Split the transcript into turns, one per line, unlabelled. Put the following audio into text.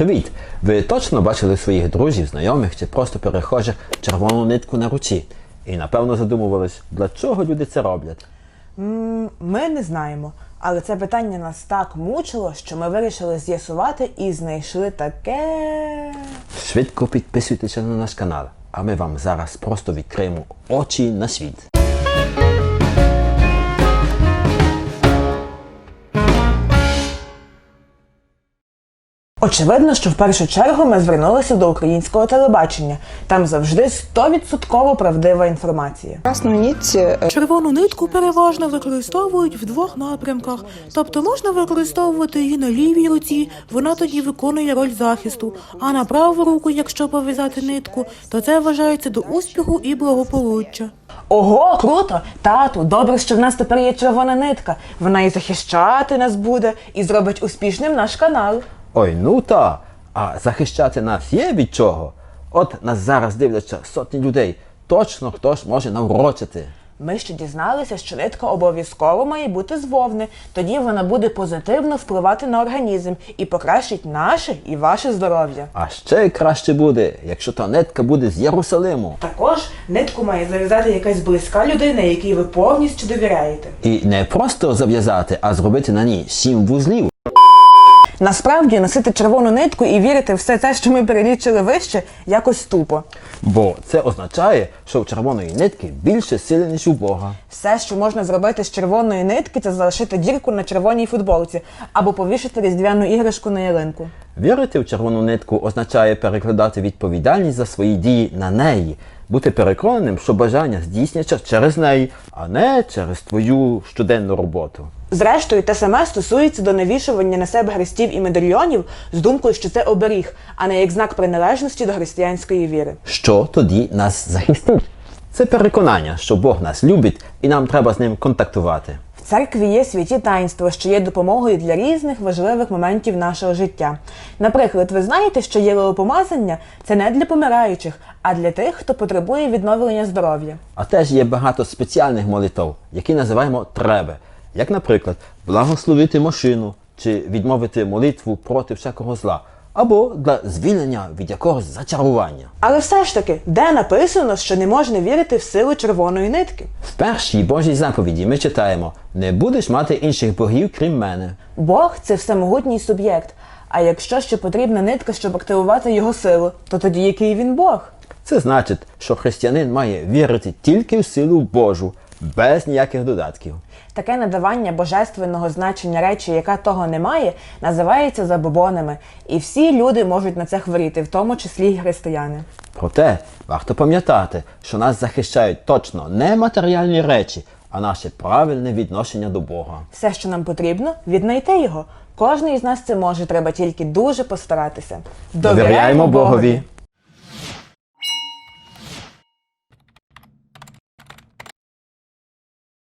Привіт! Ви точно бачили своїх друзів, знайомих чи просто перехожих червону нитку на руці? І напевно задумувались, для чого люди це роблять?
Ми не знаємо, але це питання нас так мучило, що ми вирішили з'ясувати і знайшли таке...
Швидко підписуйтеся на наш канал, а ми вам зараз просто відкриємо очі на світ.
Очевидно, що в першу чергу ми звернулися до українського телебачення. Там завжди 100% правдива інформація.
Красну нить
Червону нитку переважно використовують в двох напрямках. Тобто можна використовувати її на лівій руці, вона тоді виконує роль захисту, а на праву руку, якщо пов'язати нитку, то це вважається до успіху і благополуччя.
Ого, круто! Тату, добре, що в нас тепер є червона нитка. Вона і захищати нас буде, і зробить успішним наш канал.
Ой, ну та! А захищати нас є від чого? От нас зараз дивляться сотні людей. Точно хтось може наврочити.
Ми ще дізналися, що нитка обов'язково має бути з вовни. Тоді вона буде позитивно впливати на організм і покращить наше і ваше здоров'я.
А ще краще буде, якщо та нитка буде з Єрусалиму.
Також нитку має зав'язати якась близька людина, якій ви повністю довіряєте.
І не просто зав'язати, а зробити на ній 7 вузлів.
Насправді, носити червону нитку і вірити в все те, що ми перелічили вище, якось тупо.
Бо це означає, що в червоної нитки більше сили, ніж у Бога.
Все, що можна зробити з червоної нитки, це залишити дірку на червоній футболці або повішати різдвяну іграшку на ялинку.
Вірити в червону нитку означає перекладати відповідальність за свої дії на неї. Бути переконаним, що бажання здійсняться через неї, а не через твою щоденну роботу.
Зрештою, те саме стосується до навішування на себе хрестів і медальйонів з думкою, що це оберіг, а не як знак приналежності до християнської віри.
Що тоді нас захистить? Це переконання, що Бог нас любить і нам треба з ним контактувати.
В церкві є святі таїнства, що є допомогою для різних важливих моментів нашого життя. Наприклад, ви знаєте, що єлеопомазання – це не для помираючих, а для тих, хто потребує відновлення здоров'я.
А теж є багато спеціальних молитов, які називаємо «треба». Як, наприклад, благословити машину чи відмовити молитву проти всякого зла, або для звільнення від якогось зачарування.
Але все ж таки, де написано, що не можна вірити в силу червоної нитки?
В першій Божій заповіді ми читаємо «Не будеш мати інших богів, крім мене».
Бог – це всемогутній суб'єкт. А якщо ще потрібна нитка, щоб активувати його силу, то тоді який він Бог?
Це значить, що християнин має вірити тільки в силу Божу, без ніяких додатків.
Таке надавання божественного значення речі, яка того не має, називається забобонами. І всі люди можуть на це хворіти, в тому числі й християни.
Проте, варто пам'ятати, що нас захищають точно не матеріальні речі, а наше правильне відношення до Бога.
Все, що нам потрібно, віднайти його. Кожен із нас це може, треба тільки дуже постаратися.
Довіряємо Богові!